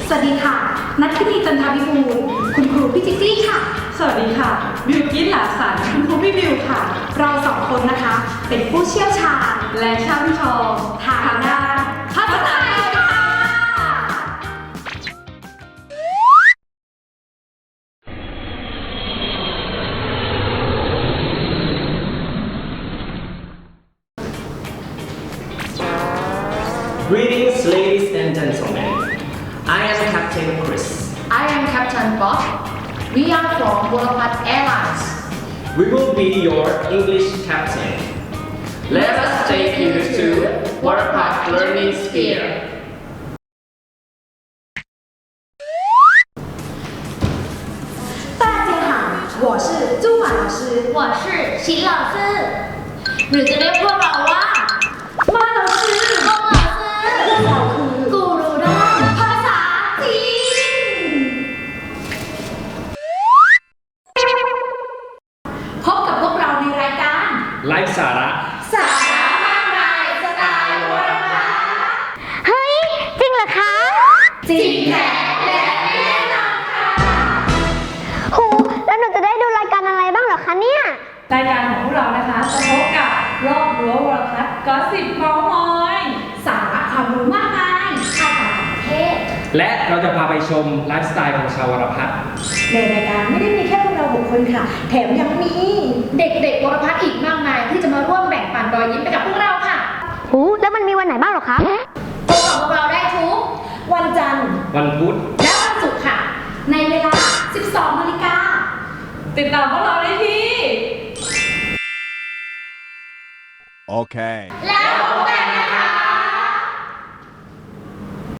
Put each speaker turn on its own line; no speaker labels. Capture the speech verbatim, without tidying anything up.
สวัสดีค่ะนัทธินีจันทวิบูลย์คุณครูพี่จิ๊กจี้ค่ะ
สวัสดีค่ะบิวกิ้นหลาสันคุณครูพี่บิวค่ะ
เราสองคนนะคะเป็นผู้เชี่ยวชาญ
และช่ำชอง
ทางด้านภาษาไทยค่ะ
Greetings, ladies and gentlemen. I am Captain Chris.
I am Captain Bob. We are from Burapat Airlines.
We will be your English captain. Let us take you to Burapat Learning Sphere.
大家好，我是朱婉老师，
我是秦老师หรือจะเรียกพวกเราว่ามา老师孟老师
เราคือ
กูรูด้านภาษาจีน
พบกับพวกเราในรายการ
ไลฟ์สาระ
สาระมากมายสไตล์วรพัฒน์
เฮ้ย จริงเหรอคะ
จริงแท้และแน่นอนค่ะ
โหแล้วหนูจะได้ดูรายการอะไรบ้างเหรอคะเนี่ย
รายการของพวกเรานะคะจะพบกับรอบรั้ววรพัฒน์ก็สิบเมาส์มอย
สาระความรู้มากมายภาษาต่างประเทศ
และเราจะพาไปชมไลฟ์สไตล์ของชาววรพัฒน์
ในรายการไม่ได้มีแค่พวกเราหกคนค่ะ แถมยังมี
เด็กๆวรพัฒน์อีกมากมายที่จะมาร่วมแบ่งปันรอยยิ้มไปกับพวกเราค่ะ
โหแล้วมันมีวันไหนบ้างเหรอคะ
พบกับพวกเราได้ทุก
วันจันทร์
วันพุธ
และวันศุกร์ค่ะ
ในเวลา สิบสองนาฬิกา
ติดตามพวกเราได้ที่
Okay.
แล้วพบ